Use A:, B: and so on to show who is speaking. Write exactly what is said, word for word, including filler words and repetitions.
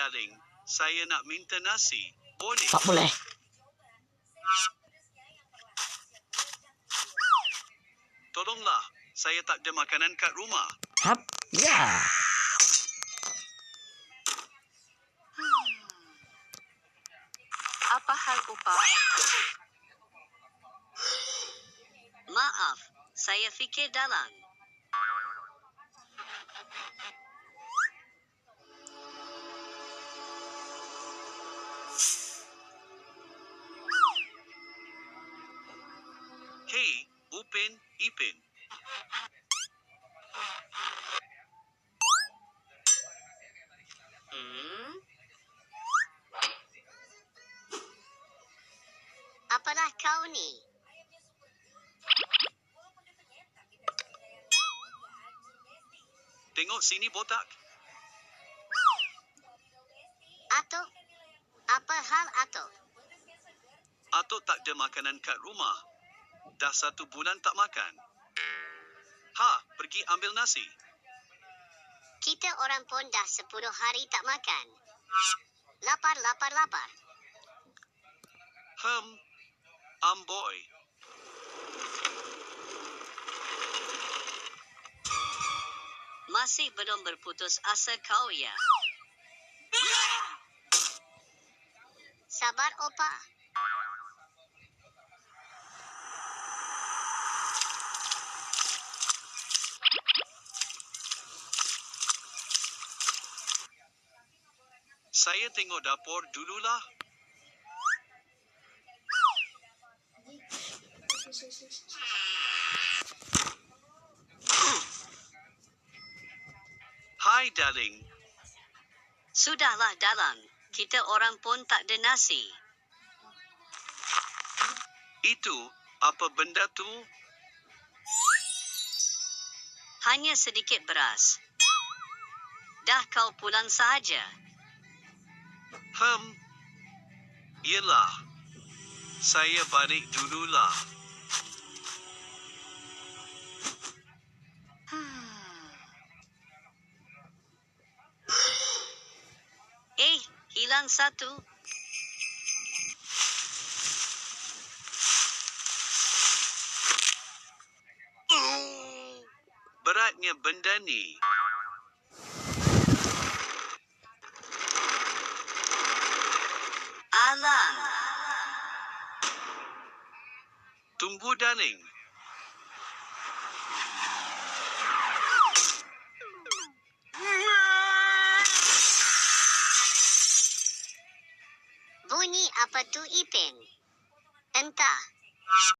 A: darling. Saya nak minta nasi. Boleh?
B: Tak boleh.
A: Tolonglah. Saya tak ada makanan kat rumah.
B: Hap. Ya.
C: Apa hal upah?
D: Maaf, saya fikir dalang.
A: Hei, Upin, Ipin.
D: Hmm? Apalah kau ni?
A: Tengok sini botak.
D: Atuk? Apa hal Atuk?
A: Atuk tak ada makanan kat rumah. Dah satu bulan tak makan. Ha, pergi ambil nasi.
D: Kita orang pun dah sepuluh hari tak makan. Lapar, lapar, lapar.
A: Hmm, amboi.
D: Masih belum berputus asa kau ya? Sabar, Opa.
A: Saya tengok dapur dululah. Hai, darling.
D: Sudahlah, dalang. Kita orang pun tak ada nasi.
A: Itu, apa benda tu?
D: Hanya sedikit beras. Dah kau pulang sahaja.
A: Hmm, yelah. Saya balik dululah.
D: Eh, hilang satu.
A: Beratnya benda ni.
D: Alang.
A: Tunggu, darling.
D: Bunyi apa tu, Ipin? Entah.